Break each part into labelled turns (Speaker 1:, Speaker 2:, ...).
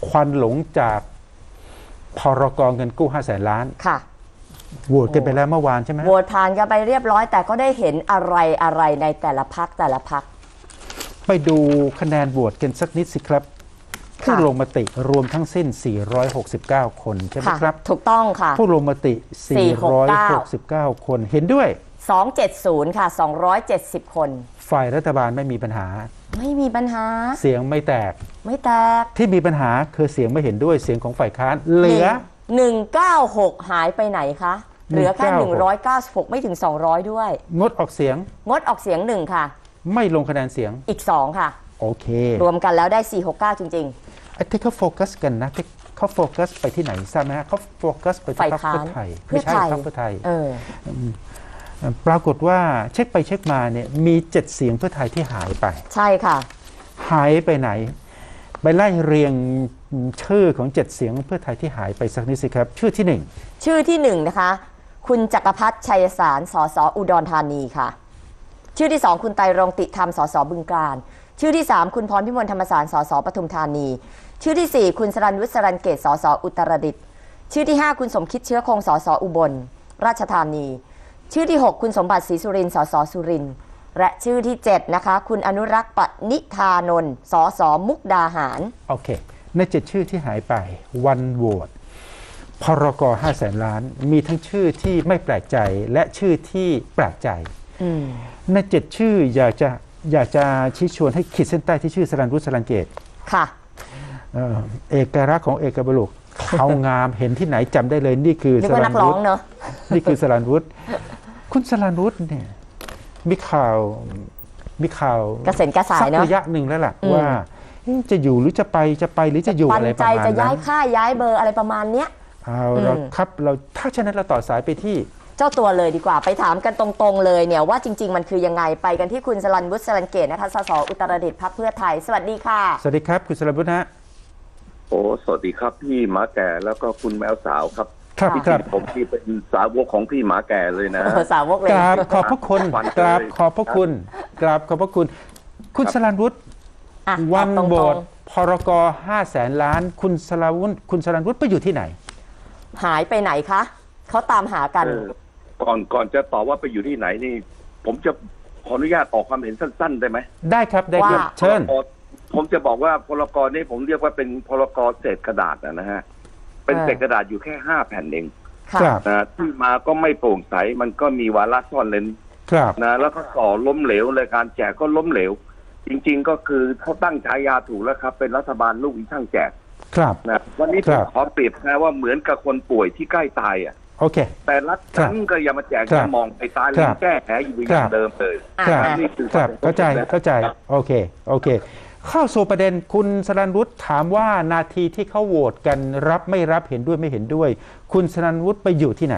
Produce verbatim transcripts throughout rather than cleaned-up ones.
Speaker 1: ควันหลงจากพรกเงินกู้ห้าแสนล้าน
Speaker 2: ค่ะ
Speaker 1: โหวตกันไปแล้วเมื่อวานใช่ไหม
Speaker 2: โหวตผ่านกันไปเรียบร้อยแต่ก็ได้เห็นอะไรอะไรในแต่ละพรรคแต่ละพรรค
Speaker 1: ไปดูคะแนนโหวตกันสักนิดสิครับผู้ลงมติรวมทั้งสิ้นสี่ร้อยหกสิบเก้าคนใช่ไหมครับ
Speaker 2: ถูกต้องค่ะ
Speaker 1: ผู้ลงมติสี่ร้อยหกสิบเก้าคนเห็นด้วย
Speaker 2: สองร้อยเจ็ดสิบค่ะสองร้อยเจ็ดสิบคน
Speaker 1: ฝ่ายรัฐบาลไม่มีปัญหา
Speaker 2: ไม่มีปัญหา
Speaker 1: เสียงไม่แตก
Speaker 2: ไม่แตก
Speaker 1: ที่มีปัญหาคือเสียงไม่เห็นด้วยเสียงของฝ่ายค้านเหลือ
Speaker 2: หนึ่งร้อยเก้าสิบหกหายไปไหนคะเหลือแค่หนึ่งร้อยเก้าสิบหกไม่ถึงสองร้อยด้วย
Speaker 1: งดออกเสียง
Speaker 2: งดออกเสียงหนึ่งค่ะ
Speaker 1: ไม่ลงคะแนนเสียง
Speaker 2: อีกสองค่ะ
Speaker 1: โอเค
Speaker 2: รวมกันแล้วได้สี่ร้อยหกสิบเก้าจริง
Speaker 1: ๆไอ้ที่เขาโฟกัสกันนะที่เขาโฟกัสไปที่ไหนทราบไหมฮะเขาโฟกัสไปที่พรรคเพื่อไทยไม่ใช่พรรคเพื่อไทยเออปรากฏว่าเช็คไปเช็คมาเนี่ยมีเจ็ดเสียงเพื่อไทยที่หายไป
Speaker 2: ใช่ค่ะ
Speaker 1: หายไปไหนไปไล่เรียงชื่อของเจ็ดเสียงเพื่อไทยที่หายไปสักนิดสิครับชื่อที่หนึ่ง
Speaker 2: ชื่อที่หนึ่งนะคะคุณจักรพัฒน์ชัยสารสสอุดรธานีค่ะชื่อที่สองคุณไตรรงค์ติธรรมสสบึงกาฬชื่อที่สามคุณพรพิมลธรรมสารสสปทุมธานีชื่อที่สี่คุณสรัญวุฒิสรัญเกตสสอุตรดิตถ์ชื่อที่ห้าคุณสมคิดเชื้อคงสสอุบลราชธานีชื่อที่หกคุณสมบัติศรีสุรินทร์สสสุรินทร์และชื่อที่เจ็ดนะคะคุณอนุรักษ์ปณิธานนท์สสมุกดาหาร
Speaker 1: โอเคในเจ็ดชื่อที่หายไปวันโหวตพรกห้าแสนล้านมีทั้งชื่อที่ไม่แปลกใจและชื่อที่แปลกใจในเจ็ดชื่ออยากจะอยากจะชี้ชวนให้ขีดเส้นใต้ที่ชื่อสรัญวุฒิสรัญเกต
Speaker 2: ค่ะ
Speaker 1: เอ่อเอกลักษณ์ของเอกบุรุษเขางามเห็นที่ไหนจำได้เลยนี่คือ
Speaker 2: สรัญวุฒิ
Speaker 1: นี่คือสรัญวุฒิคุณสรัญวุฒิเนี่ยมีข่าวมีข่าว
Speaker 2: กระเซ็นกระสายเนาะ
Speaker 1: สักระยะหนึ่งแล้วล่ะว่าจะอยู่หรือจะไปจะไปหรือจะอยู่อะไรประมาณนั้น
Speaker 2: จะย้ายค่ายย้ายเบอร์อะไรประมาณเนี้ย
Speaker 1: เอาเราครับเราถ้าฉะนั้นเราต่อสายไปที่
Speaker 2: เจ้าตัวเลยดีกว่าไปถามกันตรงๆเลยเนี่ยว่าจริงๆมันคือยังไงไปกันที่คุณสรัญวุฒิสรัญเกตนะคะสสอุตรดิตถ์พรรคเพื่อไทยสวัสดีค่ะ
Speaker 1: สวัสดีครับคุณสรัญวุฒิฮะ
Speaker 3: โอ้สวัสดีครับพี่หมาแก่แล้วก็คุณแมวสาวครับ
Speaker 1: ครับครับ
Speaker 3: ผมที่เป็นสาวกของพี่หมาแก่เลยนะ
Speaker 2: สาวกเลย
Speaker 1: กราบขอบพระคุณกราบขอบพระคุณกราบขอบพระคุณคุณสรัญวุฒิวันโหวตพรกห้าแสนล้านคุณสรัญวุฒิคุณสรัญวุฒิไปอยู่ที่ไหน
Speaker 2: หายไปไหนคะเขาตามหากัน
Speaker 3: ก่อนก่อนจะตอบว่าไปอยู่ที่ไหนนี่ผมจะขออนุญาตออกความเห็นสั้นๆได้ไหม
Speaker 1: ได้ครับได้ครับเชิญ
Speaker 3: ผมจะบอกว่าพรกนี้ผมเรียกว่าเป็นพรกเศษกระดาษนะฮะเป็นเศษกระดาษอยู่แค่ห้าแผ่นเองนะที่มาก็ไม่โปร่งใสมันก็มีวาระซ่อนเร้นนะแล้วก็ส่อล้มเหลวเลยการแจกก็ล้มเหลวจริงๆก็คือเขาตั้งฉายาถูกแล้วครับเป็นรัฐบาลลูกอีช่างแจกนะวันนี้ผมขอเปรียบนะว่าเหมือนกับคนป่วยที่ใกล้ตายอ่ะ
Speaker 1: โอเค
Speaker 3: แต่รัฐนั้นก็ยังมาแจกมองไปตายเลยแก้แผลอยู่อย่างเดิมเลย
Speaker 1: ครับเข้าใจเข้าใจโอเคโอเคเข้าสู่ประเด็นคุณสรัญวุฒิถามว่านาทีที่เขาโหวตกันรับไม่รับเห็นด้วยไม่เห็นด้วยคุณสรัญวุฒิไปอยู่ที่ไหน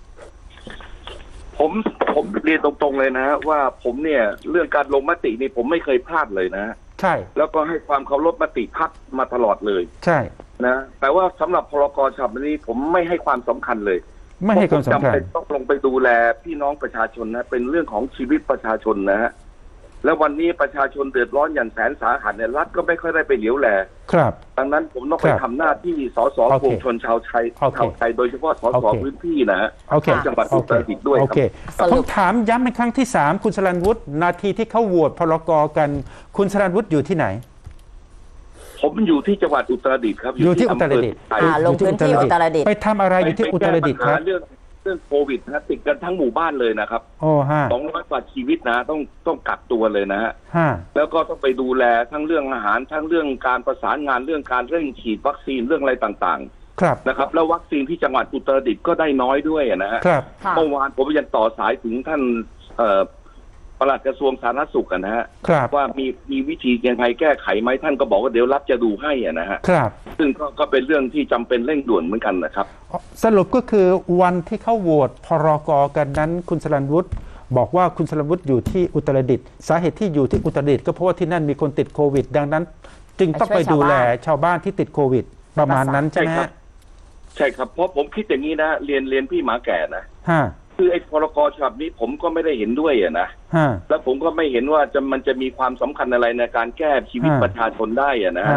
Speaker 3: ผมผมเรียนตรงๆเลยนะว่าผมเนี่ยเรื่องการลงมตินี่ผมไม่เคยพลาดเลยนะ
Speaker 1: ใช่
Speaker 3: แล้วก็ให้ความเคารพมติพรรคมาตลอดเลย
Speaker 1: ใช่
Speaker 3: นะแต่ว่าสำหรับพรกฉบับนี้ผมไม่ให้ความสำคัญเลย
Speaker 1: ไม่ให้ความสำคัญ
Speaker 3: ต้องลงไปดูแลพี่น้องประชาชนนะเป็นเรื่องของชีวิตประชาชนนะฮะแล้ววันนี้ประชาชนเดือดร้อนอย่างแสนสาหัสเนี่ยรัฐก็ไม่ค่อยได้ไปเหลียวแล
Speaker 1: ครับ
Speaker 3: ดังนั้นผมต้องไปทำหน้าที่สสปวงชนชาวไทยชาวไทยโดยเฉพาะสสพื้นที่นะฮะจังหวัดอุตรดิตถ์ด้วยครับ
Speaker 1: ผมถามย้ำเป็นครั้งที่สามคุณสรัญวุฒินาทีที่เขาโหวตพรกกันคุณสรัญวุฒิอยู่ที่ไหน
Speaker 3: ผมอยู่ที่จังหวัดอุตรดิตถ์ครับ
Speaker 1: อยู่ที่อุตรดิตถ์
Speaker 2: ลงพื้นที่อุตรดิตถ์
Speaker 1: ไปทำอะไรอยู่ที่อุตรดิตถ์ครับ
Speaker 3: เรื่องเรื่องโควิดนะติดกันทั้งหมู่บ้านเลยนะครับ
Speaker 1: โอ้ฮะ
Speaker 3: สองร้อยกว่าชีวิตนะต้องต้องกักตัวเลยนะฮะแล้วก็ต้องไปดูแลทั้งเรื่องอาหารทั้งเรื่องการประสานงานเรื่องการเร่งฉีดวัคซีนเรื่องอะไรต่าง
Speaker 1: ๆครับ
Speaker 3: นะครับแล้ววัคซีนที่จังหวัดอุตรดิตถ์ก็ได้น้อยด้วยนะฮะเมื่อวานผมยังต่อสายถึงท่านปลัดกระทรวงสาธารณสุขนะฮะว่ามีมีวิธียังไงแก้ไขไหมท่านก็บอกว่าเดี๋ยวรัฐจะดูให้นะฮะซึ่งก็ก็เป็นเรื่องที่จำเป็นเร่งด่วนเหมือนกันนะครับ
Speaker 1: สรุปก็คือวันที่เข้าโหวตพรกกันนั้นคุณสรัญวุฒิบอกว่าคุณสรัญวุฒิอยู่ที่อุตรดิตถ์สาเหตุที่อยู่ที่อุตรดิตถ์ก็เพราะว่าที่นั่นมีคนติดโควิดดังนั้นจึงต้องไปดูแลชาวบ้านที่ติดโควิดประมาณนั้นใช่ไหม
Speaker 3: ใช่ครับเพราะผมคิดอย่างนี้นะเรียนเรียนพี่หมาแก่นะคือไอ้พรกฉบับนี้ผมก็ไม่ได้เห็นด้วยอะนะแล้วผมก็ไม่เห็นว่าจะมันจะมีความสำคัญอะไรในการแก้ชีวิตประชาชนได้อะนะ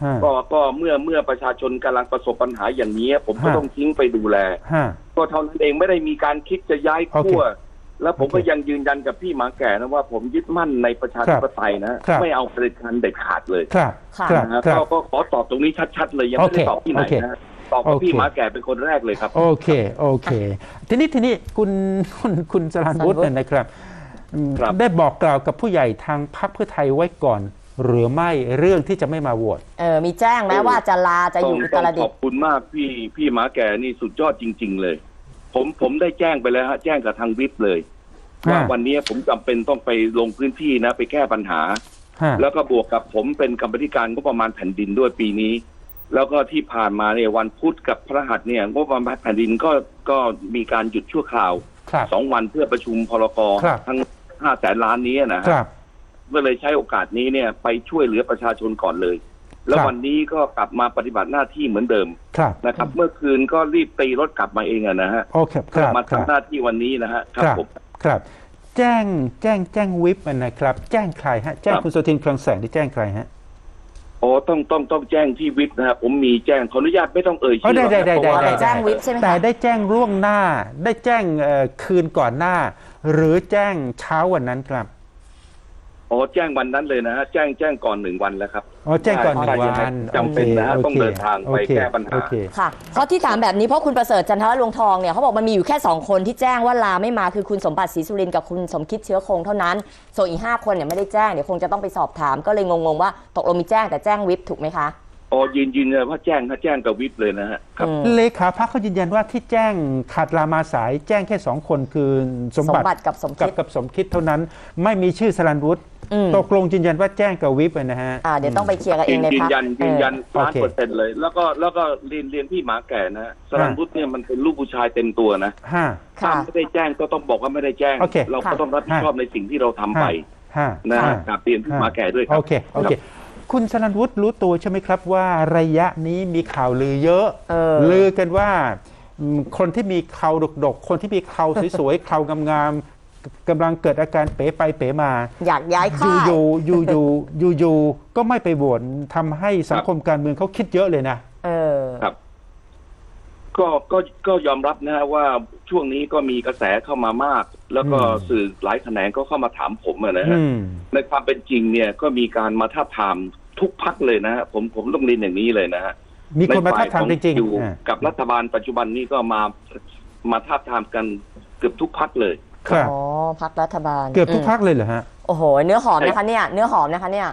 Speaker 3: ก็ก็เมื่อเมื่อประชาชนกำลังประสบปัญหาอย่างนี้ผมก็ต้องทิ้งไปดูแลก็เท่านั้นเองไม่ได้มีการคิดจะย้ายขั้วแล้วผมก็ยังยืนยันกับพี่หมาแก่นะว่าผมยึดมั่นในประชาธิปไตยนะไม่เอาเผด็จการเด็ดขาดเลย
Speaker 1: ครับ
Speaker 3: ก็ก็ขอตอบตรงนี้ชัดๆเลยยังไม่ได้ตอบที่ไหนนะตอบกับพี่หมาแก่เป็นคนแรกเลยครับ
Speaker 1: โอเคโอเคทีนี้ทีนี้คุณคุณคุณสรัญวุฒิเนี่ยนะครับได้บอกกล่าวกับผู้ใหญ่ทางพรรคเพื่อไทยไว้ก่อนหรือไม่เรื่องที่จะไม่มาโหวต
Speaker 2: เออมีแจ้งไหมว่าจะลาจะอยู่อุตรดิตถ์
Speaker 3: ขอบคุณมากพี่พี่หมาแก่นี่สุดยอดจริงๆเลยผมผมได้แจ้งไปแล้วฮะแจ้งกับทางวิปเลยว่าวันนี้ผมจำเป็นต้องไปลงพื้นที่นะไปแก้ปัญหาแล้วก็บวกกับผมเป็นกรรมธิการงบประมาณแผ่นดินด้วยปีนี้แล้วก็ที่ผ่านมาเนี่ยวันพุธกับพฤหัสเนี่ยงบประมาณแผ่นดินก็ก็มีการหยุดชั่วคราวสองวันเพื่อประชุมพรกทั้งห้าแสนล้านนี้นะครับก็เลยใช้โอกาสนี้เนี่ยไปช่วยเหลือประชาชนก่อนเลยแล้ววันนี้ก็กลับมาปฏิบัติหน้าที่เหมือนเดิมนะครับเมื่อคืนก็รีบตีรถกลับมาเองนะฮะมาทำหน้าที่วันนี้นะฮะครับผม
Speaker 1: ครับแจ้งแจ้งแจ้งวิปนะครับแจ้งใครฮะแจ้งคุณสุทินคลังแสงที่แจ้งใครฮะ
Speaker 3: อ๋อต้องต้องต้องแจ้งที่วิปนะครับผมมีแจ้งขออนุญาตไม่ต้องเอ่ยชื่อ
Speaker 1: ได้ได้ได้ได้
Speaker 2: แจ้งวิปใช่ไหม
Speaker 1: แต่ได้แจ้งล่วงหน้าได้แจ้งคืนก่อนหน้าหรือแจ้งเช้าวันนั้นครับ
Speaker 3: อ๋อแจ้งวันนั้นเลยนะฮะแจ้งแจ้งก่อนหนึ่งวันแล้วครับ
Speaker 1: อ๋อแจ้งก่อนหนึ่งวัน
Speaker 3: จำเป็นนะฮะต้องเดินทางไปแก้ปัญหา
Speaker 2: ค่ะเพราะที่ถามแบบนี้เพราะคุณประเสริฐจันทรลวงทองเนี่ยเขาบอกมันมีอยู่แค่สองคนที่แจ้งว่าลาไม่มาคือคุณสมบัติศรีสุรินทร์กับคุณสมคิดเชื้อคงเท่านั้นส่วนอีกห้าคนเนี่ยไม่ได้แจ้งเดี๋ยวคงจะต้องไปสอบถามก็เลยงงๆว่าตกลงมีแจ้งแต่แจ้งวิปถูกไหมคะ
Speaker 3: อ๋อยืนยืนเลยว่าแจ้งถ้าแจ้งกับวิปเลยนะฮะ
Speaker 1: ครับเลขาพรรคเขายืนยันว่าที่แจ้งขาดลามาสายแจ้งแค่สองคนคือสมบัติ
Speaker 2: กับสมคิด
Speaker 1: กับสมคิดเท่านั้นไม่มีชื่อสรัญวุฒิตกลงยืนยันว่าแจ้งกับวิปนะฮะ
Speaker 2: อ่าเดี๋ยวต้องไปเคลียร์กันเองในพรรค
Speaker 3: ยืนยันยืนยันล้านเปอร์เซ็นต์เลยแล้วก็แล้วก็เรียนเรียนพี่หมาแก่นะสรัญวุฒิเนี่ยมันเป็นลูกผู้ชายเต็มตัวนะถ้าไม่ได้แจ้งก็ต้องบอกว่าไม่ได้แจ้งเราก็ต้องรับผิดชอบในสิ่งที่เราทำไปนะกับเรียนพี่หมาแก่ด้วยครับ
Speaker 1: โอเคโอเคคุณสรัญวุฒิรู้ตัวใช่ไหมครับว่าระยะนี้มีข่าวลือเยอะลือกันว่าคนที่มีเข่าดกๆคนที่มีเข่าสวยๆเข่างามๆกำลังเกิดอาการเป๋ไปเป๋มา
Speaker 2: อยากย้ายค่าย
Speaker 1: อยู่อยู่อยู่อยู่อยู่ก็ไม่ไปโหวตทำให้สังคมการเมืองเขาคิดเยอะเลยนะ
Speaker 2: เออ
Speaker 3: ครับก็ก็ก็ยอมรับนะฮะว่าช่วงนี้ก็มีกระแสเข้ามามากแล้วก็สื่อหลายแขนงก็เข้ามาถามผมนะฮะในความเป็นจริงเนี่ยก็มีการมาท้าทามทุกพรรคเลยนะฮะผมผมต้องเรียนอย่างนี้เลยนะฮะ
Speaker 1: มีคนมาท้าทามจริงๆ
Speaker 3: อยู่กับรัฐบาลปัจจุบันนี้ก็มามาท้าทามกันเกือบทุกพรรคเลย
Speaker 1: ครับ
Speaker 2: อ๋อพรรครัฐบาล
Speaker 1: เกือบทุกพรรคเลยเหรอฮะ
Speaker 2: โอ้โหเนื้อหอมนะคะเนี่ยเนื้อหอมนะคะเนี่ย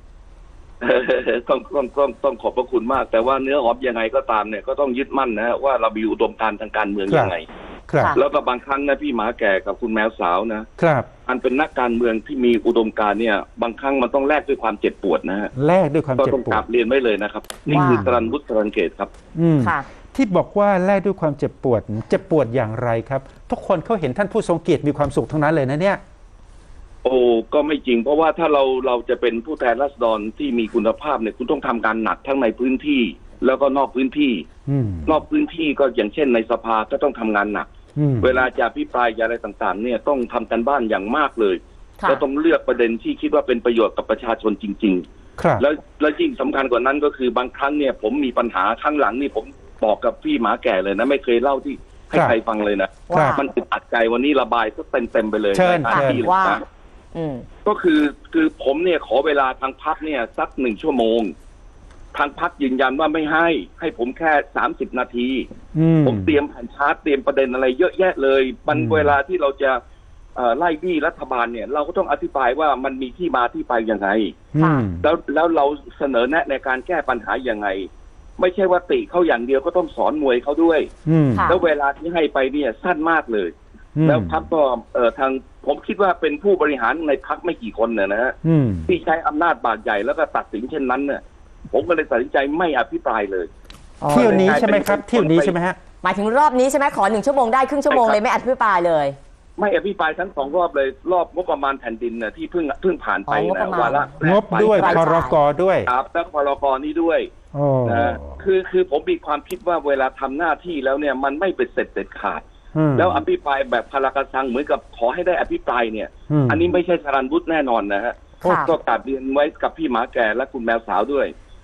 Speaker 3: ต้องต้องต้องต้องขอบพระคุณมากแต่ว่าเนื้อหอมยังไงก็ตามเนี่ยก็ต้องยึดมั่นนะว่าเรามีอุดมการณ์ทางการเมืองยังไงแล้วก็บางครั้งนะพี่หมาแก่กับคุณแมวสาวนะครับอันเป็นนักการเมืองที่มีอุดมการณ์เนี่ยบางครั้งมันต้องแลกด้วยความเจ็บปวดนะฮะ
Speaker 1: แลกด้วยความเจ็บปวดก็
Speaker 3: ต้องกราบเรียนไว้เลยนะครับนี่คือสรัญวุฒิ สรัญเกตครับ
Speaker 1: ที่บอกว่าแลกด้วยความเจ็บปวดเจ็บปวดอย่างไรครับทุกคนเขาเห็นท่านผู้ทรงเกียรติมีความสุขทั้งนั้นเลยนะเนี่ย
Speaker 3: โอ้ก็ไม่จริงเพราะว่าถ้าเราเราจะเป็นผู้แทนราษฎรที่มีคุณภาพเนี่ยคุณต้องทำการหนักทั้งในพื้นที่แล้วก็นอกพื้นที่นอกพื้นที่ก็อย่างเช่นในสภาก็ต้องทำงานหนักเวลาจะพิปรายอะไรต่างๆเนี่ยต้องทำกันบ้านอย่างมากเลยแล้วต้องเลือกประเด็นที่คิดว่าเป็นประโยชน์กับประชาชนจริงๆแล้วแล้วยิ่งสำคัญกว่านั้นก็คือบางครั้งเนี่ยผมมีปัญหาข้างหลังนี่ผมบอกกับพี่หมาแก่เลยนะไม่เคยเล่าที่ให้ใครฟังเลยนะมันอึดอัดใจวันนี้ระบายก็เต็มๆไปเลย
Speaker 1: ใน
Speaker 3: ท่าที่เลยนะก็คือคือผมเนี่ยขอเวลาทางพรรคเนี่ยสักหนึ่งชั่วโมงทางพรรคยืนยันว่าไม่ให้ให้ผมแค่สามสิบนาทีผมเตรียมแผ่นชาร์ตเตรียมประเด็นอะไรเยอะแยะเลยมันเวลาที่เราจะไล่บี้รัฐบาลเนี่ยเราก็ต้องอธิบายว่ามันมีที่มาที่ไปยังไงแล้วแล้วเราเสนอแนะในการแก้ปัญหายังไงไม่ใช่ว่าติเขาอย่างเดียวก็ต้องสอนมวยเขาด้วยแล้วเวลาที่ให้ไปเนี่ยสั้นมากเลยแล้วพรรคก็เอ่อทางผมคิดว่าเป็นผู้บริหารในพรรคไม่กี่คนเนี่ยนะฮะที่ใช้อำนาจบาดใหญ่แล้วก็ตัดสินเช่นนั้นเนี่ยผมก็เลยตัดสินใจไม่อภิปรายเลย
Speaker 1: เที่ยวนี้ใช่ไหมครับเที่ยวนี้ใช่ไหมฮะ
Speaker 2: หมายถึงรอบนี้ใช่ไหมขอหนึ่งชั่วโมงได้ครึ่งชั่วโมงเลยไม่อภิปรายเลย
Speaker 3: ไม่อภิปรายทั้งสองรอบเลยรอบงบประมาณแผ่นดินน่ะที่เพิ่งเพิ่งผ่านไปนะวาระ
Speaker 1: งบด้วยพรกด้วย
Speaker 3: ครับแล้วพรกนี้ด้วยนะคือคือผมมีความคิดว่าเวลาทำหน้าที่แล้วเนี่ยมันไม่เป็นเสร็จเด็ดขาดแล้วอภิปรายแบบพลากระซังเหมือนกับขอให้ได้อภิปรายเนี่ยอันนี้ไม่ใช่สรัญวุฒิแน่นอนนะฮะก็กราบเรียนไว้กับพี่หมาแก่และคุณแมวสาวด้วย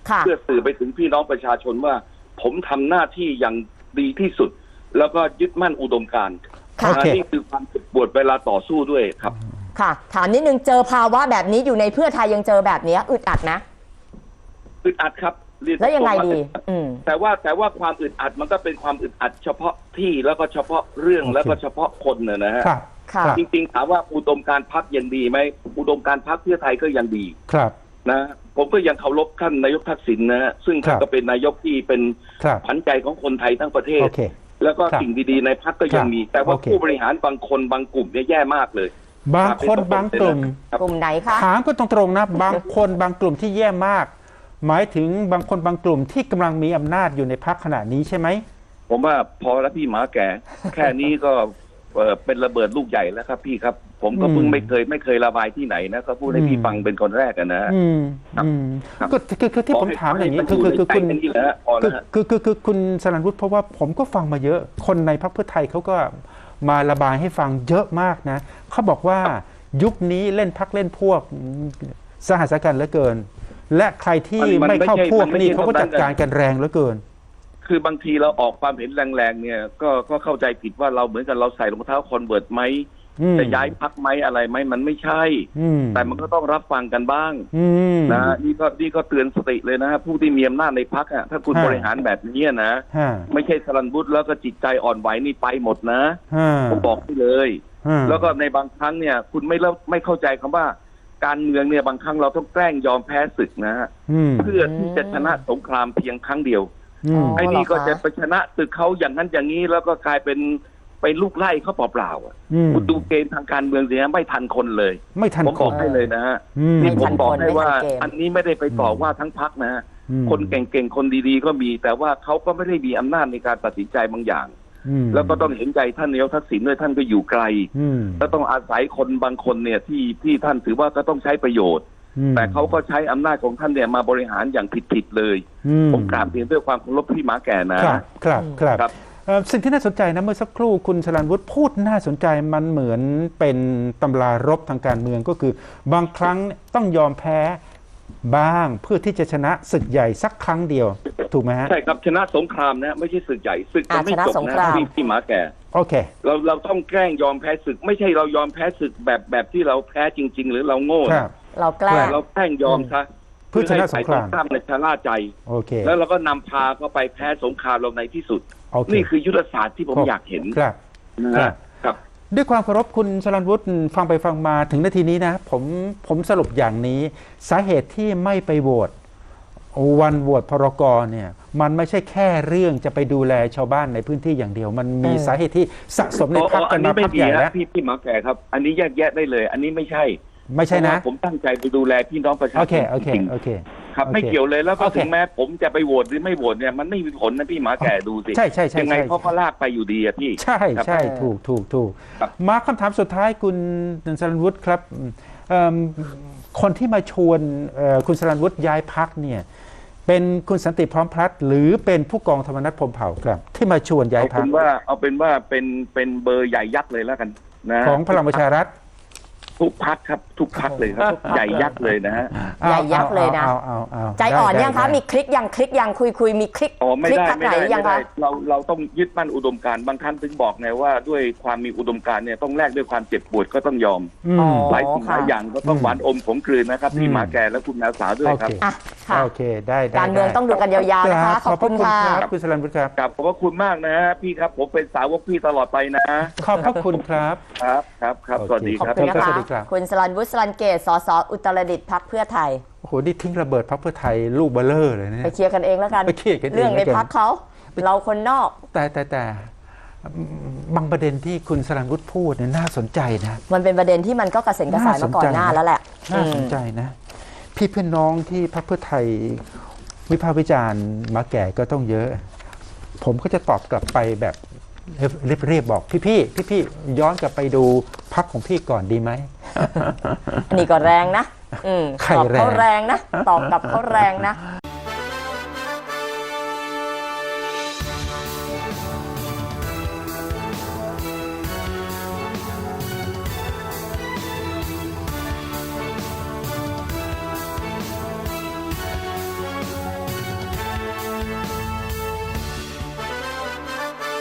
Speaker 2: ค่ะ
Speaker 3: เพื่อสื่อไปถึงพี่น้องประชาชนว่า ผมทำหน้าที่อย่างดีที่สุด แล้วก็ยึดมั่นอุดมการณ์
Speaker 2: ค่ะ
Speaker 3: นะนี่คือความเจ็บปวดเวลาต่อสู้ด้วยครับ
Speaker 2: ค่ะถามนิดนึงเจอภาวะแบบนี้อยู่ในเพื่อไทยยังเจอแบบนี้อึดอัดนะ
Speaker 3: อึดอัดครับเรีน
Speaker 2: แล้วยังไงดี
Speaker 3: ตรๆ
Speaker 2: อืม
Speaker 3: แต่ว่าแต่ว่าความอึดอัดมันก็เป็นความอึดอัดเฉพาะที่แล้วก็เฉพาะเรื่อง
Speaker 1: โอเค
Speaker 3: แล้วก็เฉพาะคนน่ะนะฮะ
Speaker 1: ครับ
Speaker 2: ค่ะ
Speaker 1: ครับ
Speaker 3: จริงๆถามว่าอุดมการณ์พรรคยังดีไหมอุดมการณ์พรรคเพื่อไทยก็ยังดี
Speaker 1: ครับ
Speaker 3: นะผมก็ยังเคารพท่านนายกทักษิณนะฮะซึ่ง
Speaker 1: ครั
Speaker 3: ท่าน
Speaker 1: บ
Speaker 3: ก็เป็นนายกที่เป็น
Speaker 1: ครับ
Speaker 3: ขวัญใจของคนไทยทั้งประเทศ
Speaker 1: โอเค
Speaker 3: แล้วก็
Speaker 1: ครับ
Speaker 3: สิ่งดีๆในพรรคก็ยังมี แต่ว่า
Speaker 1: โอเค
Speaker 3: ผู้บริหารบางคนบางกลุ่มเนี่ยแย่มากเลย
Speaker 1: บางคนบางกลุ่ม
Speaker 2: กลุ่มไหนคะ
Speaker 1: ถามก็ตรงๆนะ บางคนบางกลุ่มที่แย่มาก หมายถึงบางคนบางกลุ่มที่กำลังมีอำนาจอยู่ในพรรคขณะนี้ใช่ไหม
Speaker 3: ผมว่าพอแล้วพี่หมาแก่ แค่นี้ก็เอ่อเป็นระเบิดลูกใหญ่แล้วครับพี่ครับ ผมก็เพิ่ง
Speaker 1: อืม
Speaker 3: ไม่เคยไม่เคยระบายที่ไหนนะก็พูดให้
Speaker 1: อืม
Speaker 3: พี่ฟังเป็นคนแรกอะนะฮะ
Speaker 1: อืม
Speaker 3: ครับ
Speaker 1: อืม
Speaker 3: ครับ
Speaker 1: ก็คือคือที่ผมถามอย่างนี้
Speaker 3: นี้
Speaker 1: คือคือคือคุณ
Speaker 3: นี่แหละฮะพอ
Speaker 1: คื
Speaker 3: แล้
Speaker 1: อ
Speaker 3: วฮะ
Speaker 1: คือคือคือคุณสรัญวุฒิเพราะว่าผมก็ฟังมาเยอะ คนในพรรคเพื่อไทยเขาก็มาระบายให้ฟังเยอะมากนะเขาบอกว่ายุคนี้เล่นพรรคเล่นพวกสหัสกันเหลือเกิน และใครที่
Speaker 3: มัน
Speaker 1: ไม่
Speaker 3: ไม่
Speaker 1: เข้า
Speaker 3: ใช่
Speaker 1: พวก
Speaker 3: มันไม่
Speaker 1: นี่
Speaker 3: ใช่
Speaker 1: เขาก็
Speaker 3: ตรงนั้
Speaker 1: จั
Speaker 3: น
Speaker 1: ดการกันแรงเหลือเกิน
Speaker 3: คือบางทีเราออกความเห็นแรงๆเนี่ยก็ก็เข้าใจผิดว่าเราเหมือนกับเราใส่รองเท้าคอนเวิร์ตไหม
Speaker 1: อืม
Speaker 3: จะย้ายพักไหมอะไรไหมมันไม่ใช่
Speaker 1: อืม
Speaker 3: แต่มันก็ต้องรับฟังกันบ้าง
Speaker 1: อืม
Speaker 3: นะนี่ก็นี่ก็เตือนสติเลยนะฮะผู้ที่มีอำนาจในพักอ่ะถ้าคุณ
Speaker 1: ฮะ
Speaker 3: บริหารแบบนี้นะ
Speaker 1: ฮะ
Speaker 3: ไม่ใช่สรันบุตรแล้วก็จิตใจอ่อนไหวนี่ไปหมดนะ
Speaker 1: ฮะ
Speaker 3: ผมบอกให้เลย
Speaker 1: ฮะ
Speaker 3: แล้วก็ในบางครั้งเนี่ย คุณไม่เล่าไม่เข้าใจคำว่า การเมืองเนี่ยบางครั้งเราต้องแกล้งยอมแพ้ศึกนะฮะ
Speaker 1: อืม
Speaker 3: เพื่อที่จะชนะสงครามเพียงครั้งเดียว
Speaker 1: อืม
Speaker 3: ไอ้นี่ก็
Speaker 2: เหรอคะ
Speaker 3: จะไปชนะศึกเขาอย่างนั้นอย่างนี้แล้วก็กลายเป็นไปลูกไล่เขาเปล่าๆอ่ะ
Speaker 1: อืม
Speaker 3: คุณดูเกมทางการเมืองสิฮะไม่ทันคนเลย
Speaker 1: ไม่ทัน
Speaker 3: ผม
Speaker 1: ค
Speaker 3: บอก
Speaker 1: น
Speaker 3: ให้เลยนะฮะ
Speaker 1: อืม
Speaker 3: นี่ผมบอกให้ว่า
Speaker 2: ไม่ทันเกม
Speaker 3: อันนี้ไม่ได้ไปต่อว่าทั้งพักนะฮะ
Speaker 1: อืม
Speaker 3: คนเก่งๆคนดีๆก็มี แต่ว่าเขาก็ไม่ได้มีอำนาจในการตัดสินใจบางอย่าง
Speaker 1: อืม
Speaker 3: แล้วก็ต้องเห็นใจท่านนายกทักษิณด้วยท่านก็อยู่ไกล
Speaker 1: อืม
Speaker 3: แล้วต้องอาศัยคนบางคนเนี่ยที่ที่ท่านถือว่าก็ต้องใช้ประโยชน์
Speaker 1: อืม
Speaker 3: แต่เขาก็ใช้อำนาจของท่านเนี่ยมาบริหารอย่างผิดๆเลย
Speaker 1: อื
Speaker 3: ผมกราบเรียนด้วยความเคารพพี่หมาแก่นะ
Speaker 1: ครับครับครับ
Speaker 3: ครับ
Speaker 1: เอ่อสิ่งที่น่าสนใจนะเมื่อสักครู่คุณสรัญวุฒิพูดน่าสนใจมันเหมือนเป็นตำรารบทางการเมืองก็คือ บางครั้งต้องยอมแพ้บ้างเพื่อที่จะชนะศึกใหญ่สักครั้งเดียว ถูกไหมฮะ
Speaker 3: ใช่ครับชนะสงครามนะไม่ใช่ศึกใหญ่ศึกจะ
Speaker 2: อ่า
Speaker 3: ไม่
Speaker 2: ชนะ
Speaker 3: จบ
Speaker 2: สง
Speaker 3: นะ
Speaker 2: คราม
Speaker 3: พี่พี่หมาแก่
Speaker 1: โอเค
Speaker 3: เราเราต้องแกล้งยอมแพ้ศึก ไม่ใช่เรายอมแพ้ศึกแบบแบบที่เราแพ้จริง ๆ หรือเราโง่
Speaker 1: ครั
Speaker 3: นะ
Speaker 1: บ
Speaker 2: เราแกล้
Speaker 3: แต่
Speaker 2: ง
Speaker 3: เราแกล้งยอมซะ
Speaker 1: เพื่อชนะสงคราม
Speaker 3: ให้ฝ่ยตข้ามในชะล่าใจ
Speaker 1: โอเค
Speaker 3: แล้วเราก็นำพาเขาไปแพ้สงครามเราในที่สุด
Speaker 1: โอเค
Speaker 3: นี่คือยุทธศาสตร์ที่ผม
Speaker 1: ครับ
Speaker 3: อยากเห็น
Speaker 1: ครับ
Speaker 3: นะครับ ฮะครับ
Speaker 1: ด้วยความเคารพคุณสรัญวุฒิฟังไปฟังมาถึงนาทีนี้นะผมผมสรุปอย่างนี้ สาเหตุที่ไม่ไปโหวตวันโหวตพรกเนี่ยมันไม่ใช่แค่เรื่องจะไปดูแลชาวบ้านในพื้นที่อย่างเดียว มันมี
Speaker 2: เออ
Speaker 1: สาเหตุที่สะสมในพรรคกันมา
Speaker 3: ไม่
Speaker 1: พัก
Speaker 3: ดี
Speaker 1: ใหญ่
Speaker 3: ฮะ
Speaker 1: แล้ว
Speaker 3: พี่พี่หมาแก่ครับ อันนี้แยกแยะได้เลย อันนี้ไม่ใช่
Speaker 1: ไม่ใช่นะ
Speaker 3: เพราว่าผมตั้งใจไปดูแลพี่น้องประชาช
Speaker 1: โอน เคโอเค
Speaker 3: จริง
Speaker 1: โอเค
Speaker 3: ๆครับ
Speaker 1: โอเค
Speaker 3: ไม่เกี่ยวเลยแล้วก็
Speaker 1: โอเค
Speaker 3: ถึงแม้ผมจะไปโหวตหรือไม่โหวตเนี่ยมันไม่มีผลนะพี่หมาแก่ดูสิ
Speaker 1: ใช่ใช่ใช่
Speaker 3: ยังไง
Speaker 1: ใช่
Speaker 3: เขาก็ลากไปอยู่ดีอะพี่
Speaker 1: ใช่
Speaker 3: ครับ
Speaker 1: ใช่ถูกถูกถูก
Speaker 3: ครับ
Speaker 1: มาคำถามสุดท้ายคุณสรัญวุฒิครับเอิ่มคนที่มาชวนเอ่อคุณสรัญวุฒิย้ายพักเนี่ยเป็นคุณสันติพร้อมพลัดหรือเป็นผู้กองธรรมนัฐพรหมเผ่าครับ ที่มาชวนย้าย
Speaker 3: เอา
Speaker 1: พั
Speaker 3: เป็
Speaker 1: ก
Speaker 3: นว่าเอาเป็นว่าเป็นเป็นเบอร์ใหญ่ยักษ์เลยแล้วกันนะ
Speaker 1: ของพลังประชารัฐ
Speaker 3: ทุกพักครับ ทุกพักเลยครับใหญ่ยักษ์เลยนะฮะ
Speaker 2: ใหญ่ยักษ์เลยนะ
Speaker 1: อาอาเอา
Speaker 2: ใจอ่อน
Speaker 1: ได้
Speaker 2: ยังคะ
Speaker 1: ได้
Speaker 2: มีคลิกยังคลิกยังคุยคุยมีคลิก
Speaker 3: อ๋อไม่
Speaker 2: คลิก
Speaker 3: ได้
Speaker 2: พัก
Speaker 3: ไม่
Speaker 2: ไหน
Speaker 3: ได้
Speaker 2: ยัง
Speaker 3: ไม่ได้
Speaker 2: คะ
Speaker 3: เราเราต้องยึดมั่นอุดมการณ์บางท่านถึงบอกไงว่าด้วยความมีอุดมการณ์เนี่ยต้องแลกด้วยความเจ็บปวดก็ต้องยอม
Speaker 1: อืม
Speaker 2: อ๋อ
Speaker 3: หลายสิ่งหลายอย่างก็ต้อง
Speaker 1: อืม
Speaker 3: หวานอมขมกลืนนะครับ
Speaker 1: อืม
Speaker 3: พี่หมาแก่และคุณแมวสาวด้วย
Speaker 1: โอ
Speaker 3: ครับ
Speaker 1: เค
Speaker 2: อ่ะค่ะ
Speaker 1: โอเคได้ได้
Speaker 2: การเมือง
Speaker 1: ได้
Speaker 2: ต้องดูกันยาวๆนะคะ ขอบคุณค่ะ
Speaker 1: รับคุณสรัญวุฒิครับ
Speaker 3: กับขอบพระคุณมากนะฮะพี่ครับผมเป็นสาวกพี่ตลอดไปนะ
Speaker 1: ขอบพระคุณครับ
Speaker 3: ครับครับครับสวัสดี
Speaker 2: ขอบ
Speaker 3: ครับ
Speaker 2: คุณนะ
Speaker 1: ส
Speaker 2: คะ
Speaker 1: วัสดีครับ
Speaker 2: คุณสรัญวุฒิสรัญเกตสสอุตรดิตถ์พรรคเพื่อไทย
Speaker 1: โอ้โหนี่ทิ้งระเบิดพรรคเพื่อไทยลูกเบลเลอร์เลยนะ
Speaker 2: ไป
Speaker 1: เนี่ย
Speaker 2: เคลียร์กันเองแล้วกัน
Speaker 1: ไปเคลียร์กันเอง
Speaker 2: เรื่องใน
Speaker 1: แล้วกัน
Speaker 2: พรรคเขาเราคนนอก
Speaker 1: แต่แต่แต่บางประเด็นที่คุณสรัญวุฒิพูดเนี่ยน่าสนใจนะ
Speaker 2: มันเป็นประเด็นที่มันก็กระเซ็นกระสายมาก่อนหน้าแล้วแหละ
Speaker 1: น่าสน
Speaker 2: อืม
Speaker 1: ใจนะ พี่เพื่อนน้องที่พรรคเพื่อไทยวิพากษ์วิจารณ์มาแก่ก็ต้องเยอะ ผมก็จะตอบกลับไปแบบเรียบๆบอกพี่พี่พี่พี่ๆย้อนกลับไปดูพรรคของพี่ก่อนดีไหม
Speaker 2: อันนี้ก็แรงนะ อืม
Speaker 1: ใคร
Speaker 2: ตอบเขา
Speaker 1: แรง
Speaker 2: แรงนะ ตอบกลับเขาแรงนะ